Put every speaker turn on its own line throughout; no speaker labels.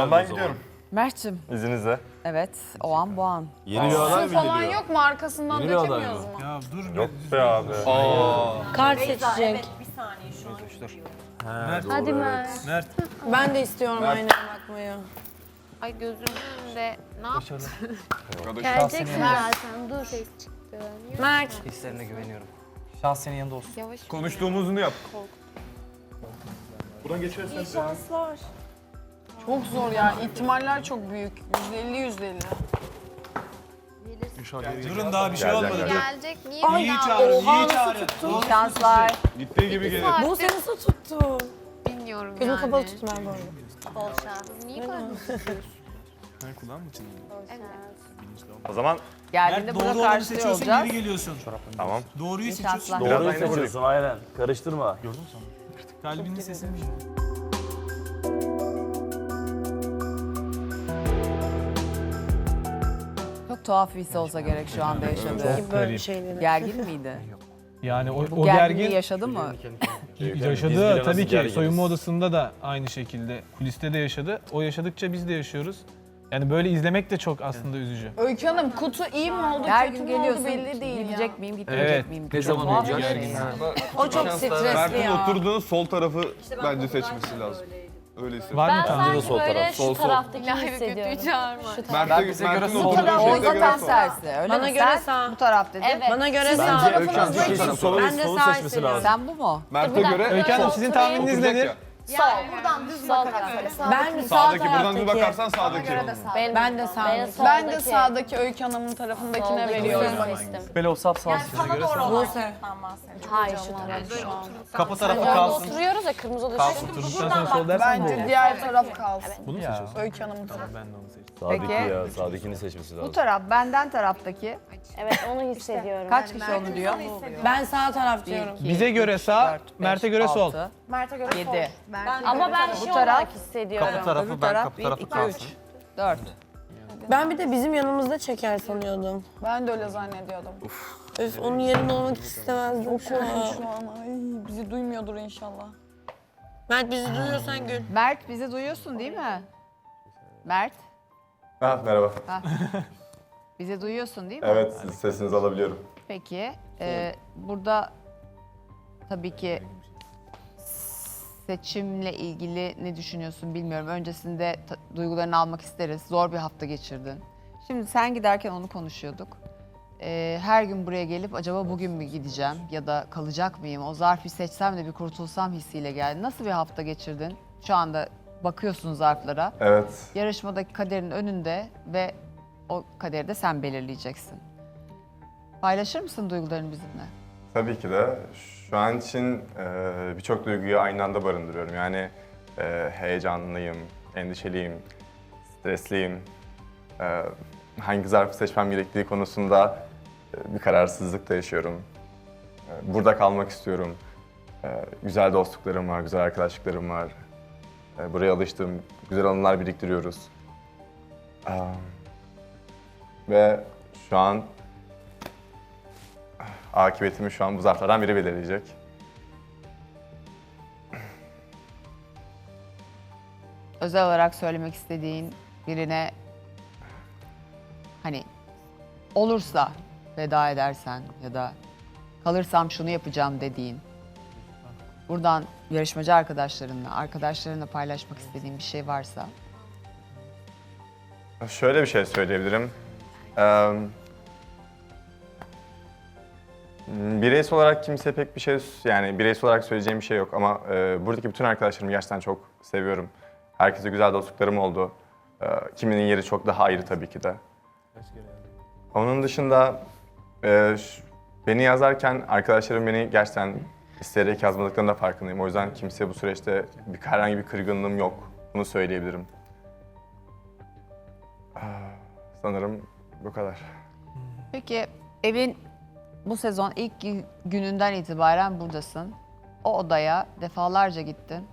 zaman ben gidiyorum.
Mert'cim.
İzninizle.
Evet, o an bu an.
Yeni bir aday mı
Falan
geliyor?
yok mu? Arkasından
Yeni bir aday
dökemiyoruz
mı?
mu?
Ya dur
Yok be abi.
Kart seçecek.
He, doğru,
Hadi
evet.
Mert.
Mert.
Ben de istiyorum aynaya bakmayı.
Ay gözümün önünde ne yaptın?
Geleceksin zaten dur. Mert.
Hislerine güveniyorum. Şans senin yanında olsun.
Yavaş.
Konuştuğumuzunu yap.
Şanslar.
Çok zor ya. İhtimaller çok büyük. %50 %50.
Durun daha bir şey olmadı. Dur.
Gelecek. Niye
İyi
bir daha
çağırın, iyi çağırın.
İyi şanslar.
Gittiği gibi gelir.
Bu seni nasıl tuttu?
bilmiyorum
Gözüm
yani.
kapalı tuttum ben böyle.
Bol şans. Niye böyle
O zaman
Geldiğinde
Mert
burada
doğru olanı
karşılıyor
seçiyorsun,
olacağız.
geri geliyorsun.
tamam.
Doğruyu
İyi
seçiyorsun.
şanslar.
Biraz
Doğruyu
aynı buradayım.
seçiyorsun aynen. Karıştırma.
Kalbinin sesini.
Çok tuhaf bir his olsa gerek şu anda yaşadığı.
Böyle şeyleri.
Gergin miydi?
Yani
Bu
o
gerginliği
gergin
yaşadı mı?
yaşadı tabii ki.
gerginiz.
Soyunma odasında da aynı şekilde, kuliste de yaşadı. O yaşadıkça biz de yaşıyoruz. Yani böyle izlemek de çok aslında üzücü.
Öykü Hanım kutu iyi mi oldu,
Her
kötü
gün
mü oldu
geliyorsun.
belli değil ya.
Gidecek miyim, gitmeyecek
Evet.
miyim?
Ne
Çok
zaman
tuhaf bir
olacak?
şey ya.
O çok stresli ya.
oturduğun sol tarafı bence seçmesi lazım. Öyle hissediyorum.
Var mı
Ben
tanıdığın?
sanki böyle
Sol,
şu
sol.
taraftaki
İlahi kötüyü
hissediyorum.
çağırma.
Mert'e
bize göre
Mert'in
sol.
oturduğu
O
şeyde
yüzden
göre
tam
sol.
tersi. Öyle
Bana
mi?
göre
Sen
sağ.
bu taraf dedin.
Evet. Bana göre
Bence
sağ.
Öykü Hanım
Ben
kişinin
de
solu
sağ
seçmesi
hissediyorum.
lazım.
Sen bu mu?
Mert'e göre
Öykü Hanım sizin tahmininiz
oturacak
nedir?
ya.
Ben sağ
Sağdaki buradan bir
taraftaki.
bakarsan sağdaki.
Ben de sağ.
Ben de sağdaki Öykü Hanım'ın tarafındakine veriyorum.
Böyle o saf sağ göre sağ.
Buse. Hayır şu taraf.
Kapı tarafı kalsın.
Oturuyoruz ya kırmızı odada.
Kalsın.
Oturduktan sonra sol dersen bu
Bence
olur.
diğer taraf kalsın.
Bunu mu seçiyorsun?
Öykü Hanım'ın tarafı.
Ben de onu seçtim.
Sağdaki
Peki.
ya. Sağdakini seçmesi
Bu
lazım.
taraf, benden taraftaki.
Evet onu hissediyorum.
Kaç kişi onu diyor?
Ben sağ taraf diyorum.
Bize göre sağ, Mert'e göre sol.
7,
Ama ben şey
taraf-
olarak hissediyorum.
Kapı tarafı
öbür
ben
taraf
kapı
1,
tarafı
2,
kalsın.
3, 4.
Ben bir de bizim yanımızda çeker sanıyordum.
Ben de öyle zannediyordum.
Öf onun yerinde olmak hiç istemezdim şu an.
Şu an ay bizi duymuyordur inşallah.
Mert bizi duyuyorsan gül.
Mert bizi duyuyorsun değil mi? Mert,
Ha, merhaba.
bizi duyuyorsun değil mi?
Evet, sesinizi alabiliyorum.
Peki, burada tabii ki seçimle ilgili ne düşünüyorsun bilmiyorum. Öncesinde duygularını almak isteriz. Zor bir hafta geçirdin. Şimdi sen giderken onu konuşuyorduk. Her gün buraya gelip acaba bugün mü gideceğim ya da kalacak mıyım? O zarfı seçsem de bir kurtulsam hissiyle geldi. Nasıl bir hafta geçirdin? Şu anda bakıyorsun zarflara.
Evet.
Yarışmadaki kaderin önünde ve o kaderi de sen belirleyeceksin. Paylaşır mısın duygularını bizimle?
Tabii ki de. Şu an için birçok duyguyu aynı anda barındırıyorum. Yani heyecanlıyım, endişeliyim, stresliyim. Hangi zarfı seçmem gerektiği konusunda bir kararsızlık da yaşıyorum. Burada kalmak istiyorum. Güzel dostluklarım var, güzel arkadaşlıklarım var. Buraya alıştım, güzel anılar biriktiriyoruz. Ve şu an akıbetimi şu an bu zarflardan biri belirleyecek.
Özel olarak söylemek istediğin birine hani olursa veda edersen ya da kalırsam şunu yapacağım dediğin buradan yarışmacı arkadaşlarınla paylaşmak istediğin bir şey varsa
Şöyle bir şey söyleyebilirim. Bireysel olarak kimse pek bir şey, yani bireysel olarak söyleyeceğim bir şey yok ama buradaki bütün arkadaşlarımı gerçekten çok seviyorum. Herkese güzel dostluklarım oldu. Kiminin yeri çok daha ayrı tabii ki de. Onun dışında beni yazarken arkadaşlarım beni gerçekten isteyerek yazmadıklarının da farkındayım. O yüzden kimseye bu süreçte herhangi bir kırgınlığım yok. Bunu söyleyebilirim. Sanırım bu kadar.
Peki evin bu sezon ilk gününden itibaren buradasın. O odaya defalarca gittin.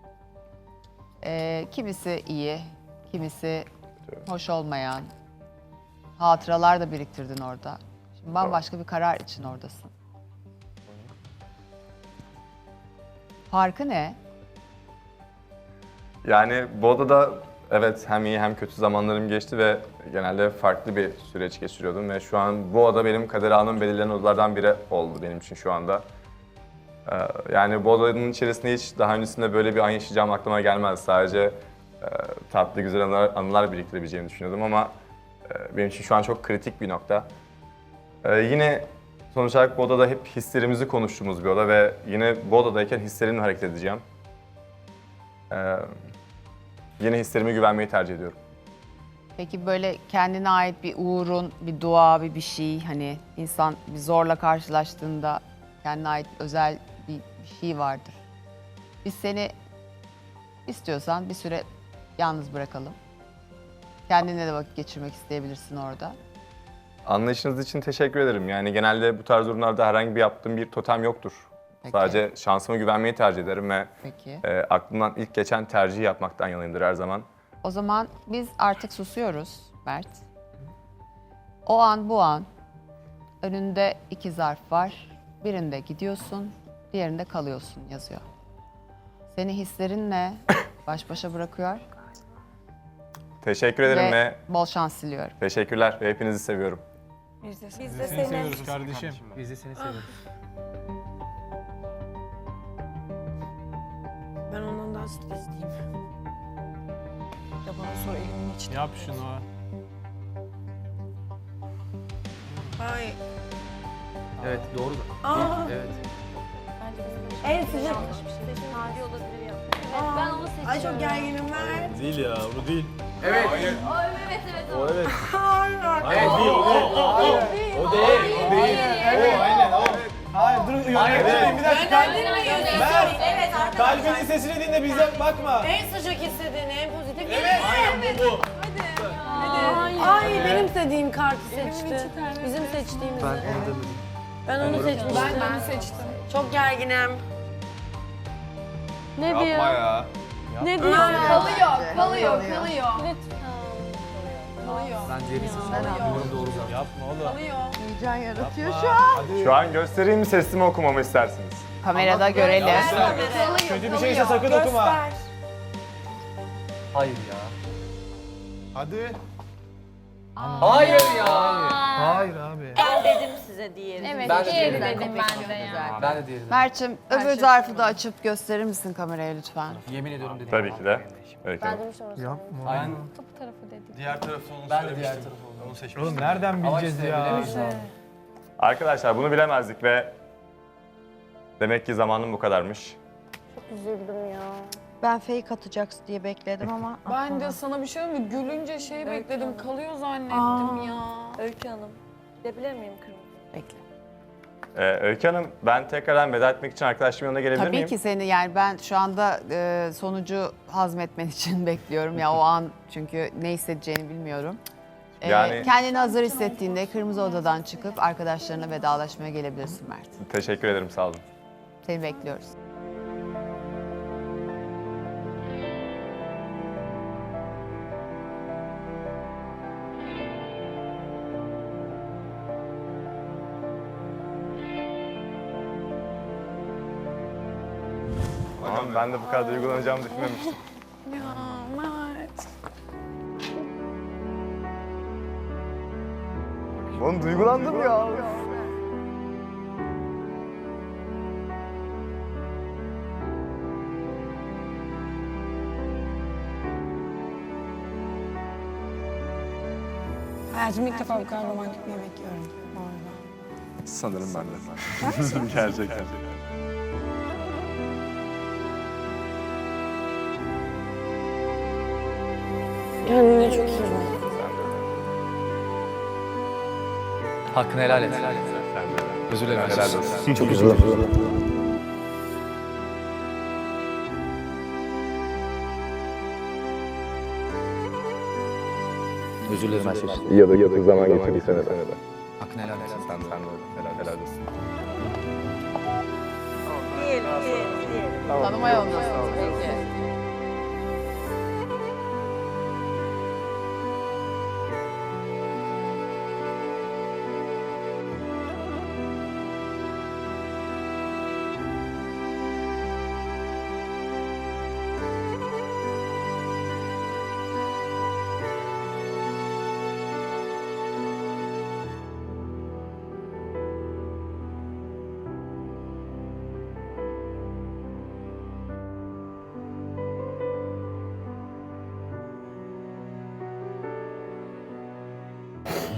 Kimisi iyi, kimisi hoş olmayan hatıralar da biriktirdin orada. Şimdi bambaşka bir karar için oradasın. Farkı ne?
Yani bu odada evet hem iyi hem kötü zamanlarım geçti ve genelde farklı bir süreç geçiriyordum ve şu an bu oda benim kader anım belirlenen odalardan biri oldu benim için şu anda. Yani bu odanın içerisinde hiç daha öncesinde böyle bir an yaşayacağım aklıma gelmez. Sadece tatlı güzel anılar biriktirebileceğimi düşünüyordum ama benim için şu an çok kritik bir nokta. Yine sonuç olarak bu odada hep hislerimizi konuştuğumuz bir oda ve yine bu odadayken hislerimle hareket edeceğim. Yine hislerime güvenmeyi tercih ediyorum.
Peki böyle kendine ait bir uğurun, bir dua, bir şey hani insan bir zorla karşılaştığında kendine ait özel bir şey vardır. Biz seni istiyorsan bir süre yalnız bırakalım. Kendine de vakit geçirmek isteyebilirsin orada.
Anlayışınız için teşekkür ederim. Yani genelde bu tarz durumlarda herhangi bir yaptığım bir totem yoktur.
Peki.
Sadece şansıma güvenmeyi tercih ederim ve
Peki.
aklımdan ilk geçen tercihi yapmaktan yanayımdır her zaman.
O zaman biz artık susuyoruz Mert. O an bu an önünde 2 zarf var. Birinde gidiyorsun, diğerinde kalıyorsun yazıyor. Seni hislerinle baş başa bırakıyor
Teşekkür ederim ve
bol şans diliyorum.
teşekkürler ve hepinizi seviyorum.
Biz de
Seni
seni.
seviyoruz kardeşim.
Biz de seni seviyoruz.
Ben ondan daha stresliyim. Ya bana sor elimin içine.
Yap şunu.
Ay.
Evet doğru da.
Aa.
Evet.
En sıcak.
Hadi olabilir ya. Evet ben onu seçiyorum.
Ay çok gerginim ben.
Değil ya, bu değil.
Evet evet o.
O evet.
Hayır.
Hayır değil, o değil. O değil. O aynen o.
Hayır dur yönetmenim bir dakika.
Evet arkadaşlar.
Kalbinin sesini dinle bize bakma.
En sıcak istediğin, en pozitif.
Aynen bu.
Ay benim istediğim kartı seçti. Bizim seçtiğimizi. Ben onu seçmiştim.
Ben seçtim.
Çok gerginim.
Ne
Yapma ya.
Ne diyor?
Kalıyor.
Ben diğerini seçiyorum. Umarım doğru zaten.
Yapma oğlum.
Heyecan yaratıyor
Hadi.
Şu an göstereyim mi sesimi okumamı istersiniz?
Kamerada görelim.
Kötü bir şeyse sakın okuma.
Hayır ya.
Hadi.
Hayır ya.
Hayır abi.
Evet
Ben de
diğeri
diğerini
dedim ben de ya.
Ben de diğerini.
Mert'cim öbür zarfı da açıp gösterir misin kameraya lütfen?
Yemin ediyorum dedim.
Tabii ki de. Öykü Hanım.
Aynen.
Bu tarafı dedim.
Diğer tarafı onu
Ben de
söylemiştim.
diğer tarafı oldum.
Onu seçmiştim.
Oğlum nereden
Ama
bileceğiz
işte
ya?
bilemeyiz abi.
Arkadaşlar bunu bilemezdik ve demek ki zamanım bu kadarmış.
Ben fake atacaksın diye bekledim ama
Ben de sana bir şey mi? Gülünce bekledim. Kalıyor zannettim ya.
Öykü Hanım. Gidebilir miyim kırmızı?
Bekle.
Öykü Hanım ben tekrardan veda etmek için arkadaşımın yanına gelebilir
Tabii
miyim?
ki seni yani ben şu anda sonucu hazmetmen için bekliyorum ya o an çünkü ne hissedeceğini bilmiyorum.
Yani-
Kendini hazır hissettiğinde kırmızı odadan çıkıp arkadaşlarına vedalaşmaya gelebilirsin Mert.
Teşekkür ederim sağ olun.
Seni bekliyoruz.
Tamam ben de bu kadar duygulanacağımı düşünmemiştim.
Ya Mert.
Oğlum duygulandım ya.
Hayatımda ilk defa bu kadar romantik bir yemek yiyorum. Bu arada.
Sanırım ben de. Gerçekten.
Kendine çok iyi bak.
Hakkını helal et. Özür dilerim.
Helal olsun.
Çok özür dilerim. Özür dilerim her şey için.
Ya da yakın zaman geçirdiysen de.
Hakkını helal et.
Sen de helal olsun.
Tanıma yolundasın. Peki.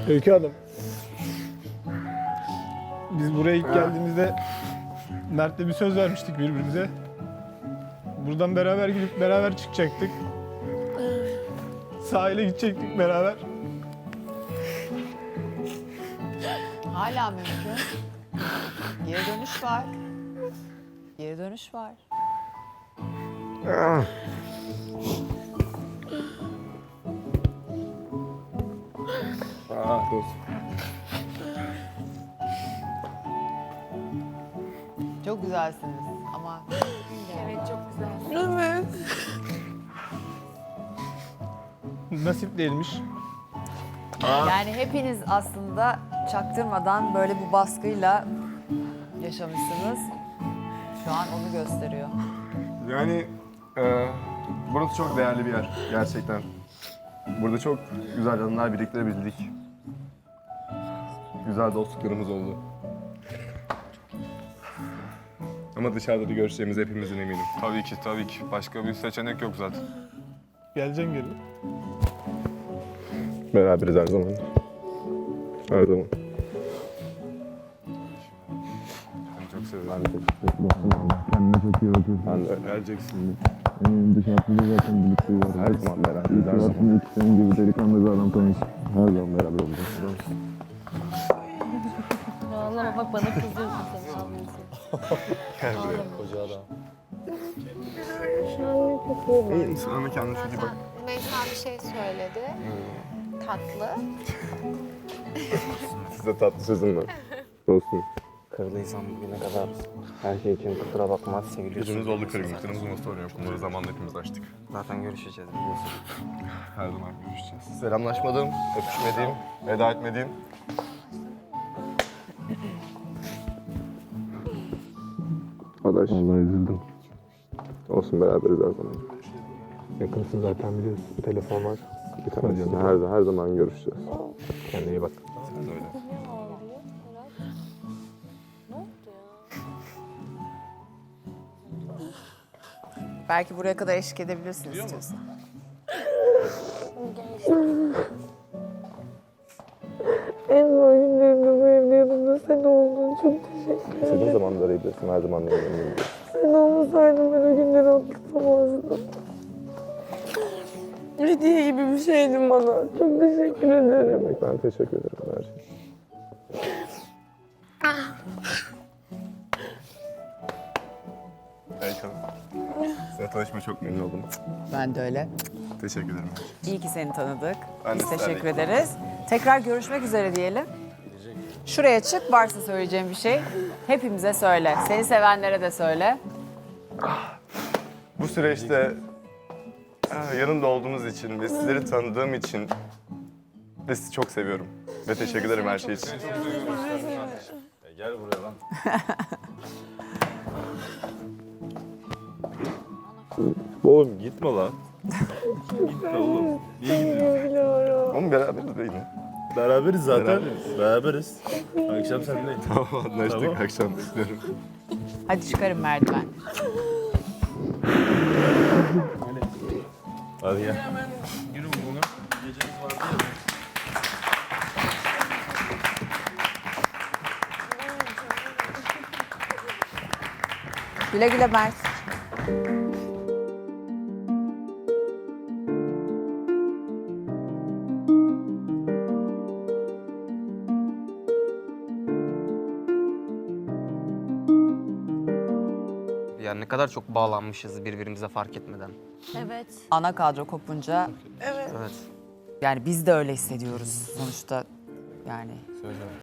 Öykü Hanım. Biz buraya ilk geldiğimizde Mert'le bir söz vermiştik birbirimize. Buradan beraber gidip beraber çıkacaktık. Sahile gidecektik beraber.
Hala mümkün. Geri dönüş var. Geri dönüş var. Çok güzelsiniz ama
Nasip değilmiş.
yani hepiniz aslında çaktırmadan böyle bu baskıyla yaşamışsınız. Şu an onu gösteriyor.
Yani burası çok değerli bir yer gerçekten. Burada çok güzel anılar biriktirebildik. Güzel dostluklarımız oldu. Ama dışarıda da görüşeceğimiz hepimizin eminim.
Tabii ki, tabii ki. Başka bir seçenek yok zaten.
Geleceksin geri.
Beraberiz her zaman. Her zaman.
Seni çok seviyorum.
Ben de kendine çok iyi bakıyorsun. Ben de geleceksin.
Dışarıda zaten birlikte var.
Her zaman beraberiz. Her zaman.
Aslında iki senin gibi delikanlı bir adam tanış. Her zaman beraber olacağız.
Ağlama bak bana kızıyorsun sen ağlıyorsun.
Koca adam.
İyi misin? Ama kendine çok iyi bak.
Meysa bir şey söyledi. Tatlı.
Size tatlı sözüm var. Dostum.
Kırdıysam bugüne kadar her şey için kusura bakma, seviliyorsun.
Yüzümüz oldu kırgınlıklarımız ama sorun yok. Bunları zamanla hepimiz açtık.
Zaten görüşeceğiz biliyorsun.
Her zaman görüşeceğiz. Selamlaşmadığım, öpüşmediğim, veda etmediğim. Adaş.
Vallahi üzüldüm.
Olsun beraberiz her zaman.
Yakınsın zaten biliyorsun. Telefon var.
Her zaman görüşeceğiz.
Kendine iyi bak.
Sen de öyle.
Belki buraya kadar eşlik edebilirsiniz istiyorsan.
En zor günlerimde bu evde yanımda sen oldun. Çok teşekkür ederim.
İstediğin zaman da arayabilirsin. Her zaman yanındayım.
Sen olmasaydın ben o günleri atlatamazdım. Hediye gibi bir şeydin bana. Çok teşekkür ederim.
Ben teşekkür ederim her şey. Size tanışmaya çok memnun oldum.
Ben de öyle.
Teşekkür ederim.
İyi ki seni tanıdık.
Ben de
Biz
sizlerle
teşekkür ederiz. Tekrar görüşmek üzere diyelim. Şuraya çık, varsa söyleyeceğim bir şey. Hepimize söyle. Seni sevenlere de söyle.
Bu süreçte yanımda olduğunuz için ve sizleri tanıdığım için de sizi çok seviyorum. Ve teşekkür ederim her şey için.
Gel buraya lan.
Oğlum gitme lan. Gitme oğlum. Niye gidiyorsun? Oğlum beraberiz de yine.
Beraberiz zaten. Beraberiz. Akşam seninle.
Tamam anlaştık. Akşam bekliyorum.
Hadi çıkarın merdiven.
Hadi gel.
Yürü bunu. Gecemiz vardı ya.
Güle güle Mert.
Yani ne kadar çok bağlanmışız birbirimize fark etmeden.
Evet.
Ana kadro kopunca
Evet.
yani biz de öyle hissediyoruz sonuçta. Yani